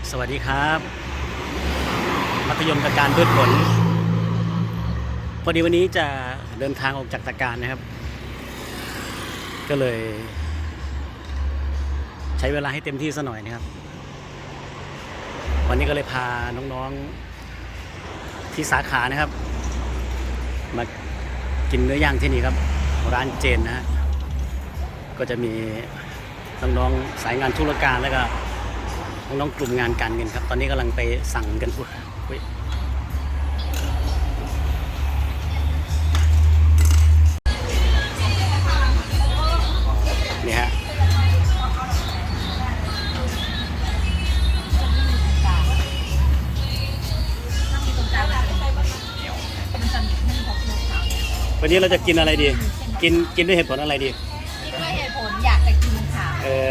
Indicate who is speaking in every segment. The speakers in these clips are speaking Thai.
Speaker 1: สวัสดีครับมัธยมตะการพืชผลพอดีวันนี้จะเดินทางออกจากตะการนะครับก็เลยใช้เวลาให้เต็มที่ซะหน่อยนะครับวันนี้ก็เลยพาน้องๆที่สาขานะครับมากินเนื้อย่างที่นี่ครับร้านเจนนะฮะก็จะมีน้องๆสายงานธุรการแล้วก็น้องๆกลุ่มงานการเงินครับตอนนี้กำลังไปสั่งกันนี่ฮะวันนี้เราจะกินอะไรดีกินด้วยเหตุผลอะไรดี
Speaker 2: กินด้วยเหตุผลอยากจะกินค่ะ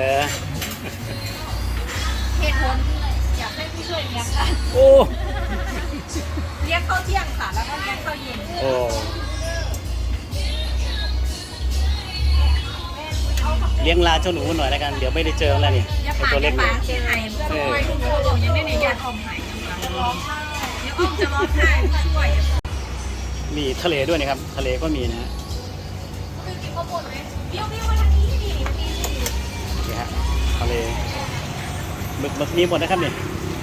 Speaker 2: เหตุผลอยากให้ผู้ช่วยเลี้ยงค่ะ
Speaker 1: โอ้
Speaker 2: เลี้ยงข้าวเที่ยงค่ะแล้วก็เลี้ยงข้าวเย็น
Speaker 1: โอ้เลี้ยงลาเจ้าหนูหน่อยแล้วกันเดี๋ยวไม่ได้เจอแล้วนี่ตัวเล็ก
Speaker 2: เนี่ยเชียงไห้เพื่อนช่วยทุกคนยังได้ในยาทอมไห้จะร้องไห้จะร้องไห้ผู้ช่วย
Speaker 1: มีทะเลด้วยนะครับทะเลก็มีนะฮะ
Speaker 2: คือกินข้าวบดไหมเบี้ยวมาทางนี้ดิ
Speaker 1: นี่ฮะทะเลหมึกมีหมดนะครับเนี่ย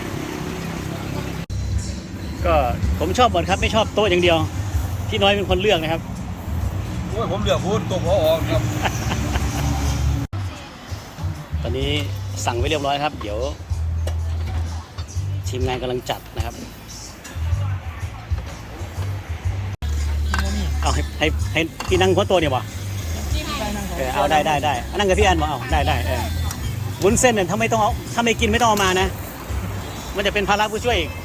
Speaker 1: ก็ผมชอบหมดครับไม่ชอบโต๊ะอย่างเดียวพี่น้อยเป็นคนเลือกนะครับ
Speaker 3: โอ้ยผมเลือกพูดตัวพอครับ
Speaker 1: ตอนนี้สั่งไว้เรียบร้อยครับเดี๋ยวทีมงานกำลังจัดนะครับเอาให้พี่นั่งหัวโต๊ะเนี่ยบ่เอาได้นั่งกับพี่อันบ่เอาได้วุ้นเส้นเนี่ยถ้าไม่กินไม่ต้องเอามานะมันจะเป็นภาระผู้ช่วยอีก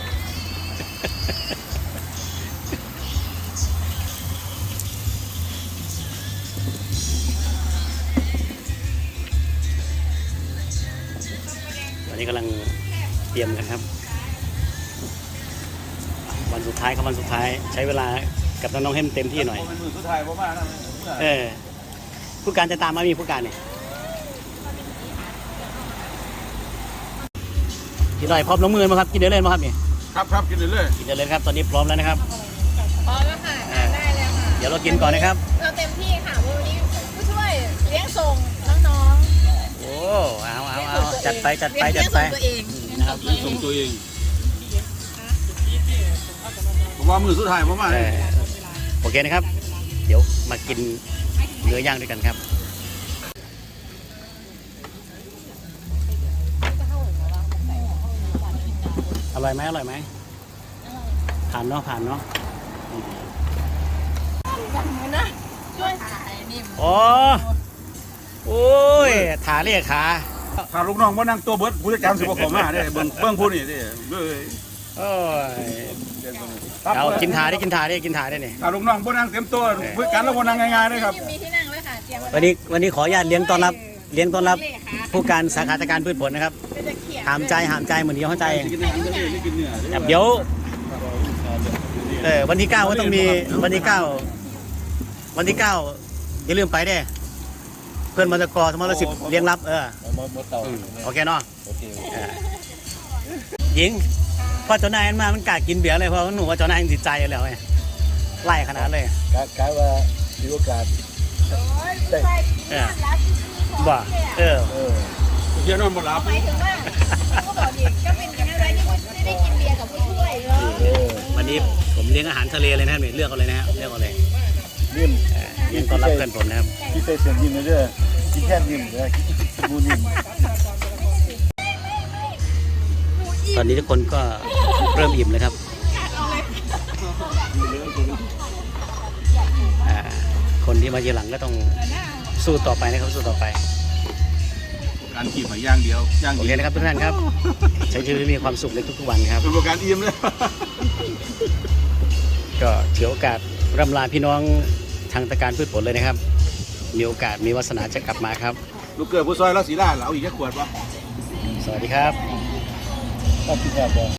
Speaker 1: ตอนนี้กำลังเตรียมกันครับวันสุดท้ายครับวันสุดท้ายใช้เวลากับน้องๆให้เต็มที่หน่อย
Speaker 3: เป็นมือสุดท้ายผมว่านะ
Speaker 1: ผู้การจะตามมามีผู้การเนี่ยพี่หน่อยพร้อมลงมือมาครับกินเดี๋ยวเล่นมาครับนี่
Speaker 3: ครับกินเดี๋ยว
Speaker 1: เลยครับตอนนี้พร้อมแล้วนะครับ
Speaker 2: พร้อมแล้วค่ะได้แล้วค่ะ
Speaker 1: เดี๋ยวเรากินก่อนนะครับ
Speaker 2: เราเต็มที่ค่ะวันนี้ผู้ช่วยเลี้ยงส่งน้อง
Speaker 1: ๆโอ้เอาจัดไป
Speaker 2: ตัวเอง
Speaker 1: นะครับ
Speaker 3: ส่งตัวเองผมว่ามือสุดท้ายผมว่า
Speaker 1: โอเคนะครับเดี๋ยวมากินเนื้อย่างด้วยกันครับอร่อยไหมผ่านเนาะ
Speaker 2: ช่วยถ่ายนี่
Speaker 1: โอ้ยขาเรียกขา
Speaker 3: ถ้าลูกน้องว่านั่งตัวเบิร์ดผู้จัดการสิบกว่าผมมาได้เบิ้งผู้นี่ดิ
Speaker 1: เอากินถาได้เนี่ย
Speaker 3: ถ้าลูกน้องว่านั่งเต็มตัวผู้จัดการแล้วว่านั่งง่ายๆเลยครับ
Speaker 2: มีที่นั่งเลยค่ะเตรีย
Speaker 1: มวันนี้ขออนุญาตเลี้ยงต้อนรับผู้การสาขาการพืชผลนะครับหามใจเหมือนเดียวเข้าใจเองเดี๋ยววันที่ 9ก็ต้องมีวันที่ 9อย่าลืมไปได้เพื่อนมรกสมรสิบเลี้ยงรับโอเคเนาะหญิงพอเจ้านายมามันกล้ากินเบียร์เลยเพราะหนูว่าเจ้านายติดใจแล้วไงไล่ขนาดเลย
Speaker 3: กะว่ามีโอกาส
Speaker 1: บ่
Speaker 3: เยอะนอนหมดแล้ว
Speaker 2: หมายถึงว่าก็บอกดิก็เป็นกันอะไรที่ไม่ได้กินเบียร์กับผู้ช่วย
Speaker 1: วันนี้ผมเลี้ยงอาหารทะเลเลยนะครับเลือกเอาเลยนะฮะเลี้ยงต้อนรับเพื่อนผมนะครับ
Speaker 3: ที่เสียงยิ้มเลยที่แค่ยิ้มเลยบูนิ่ม
Speaker 1: ตอนนี้ทุกคนก็เริ่มอิ่มเลยครับคนที่มาทีหลังก็ต้องสู้ต่อไปนะครับสู้ต่อไป
Speaker 3: การกินมาย่างเดียว
Speaker 1: โอเคนะครับทุกท่านครับใช้ชีวิตมีความสุขในทุกๆวันครับ
Speaker 3: เป็นการอิ่มเลย
Speaker 1: ก็ถือโอกาสร่ำลาพี่น้องทางตะการพืชผลเลยนะครับมีโอกาสมีวาสนาจะกลับมาครับ
Speaker 3: ลูกเกิดผู้ซอยแล้วสีล่าเราอีกแค่ขวดวะ
Speaker 1: สวัสดีครับ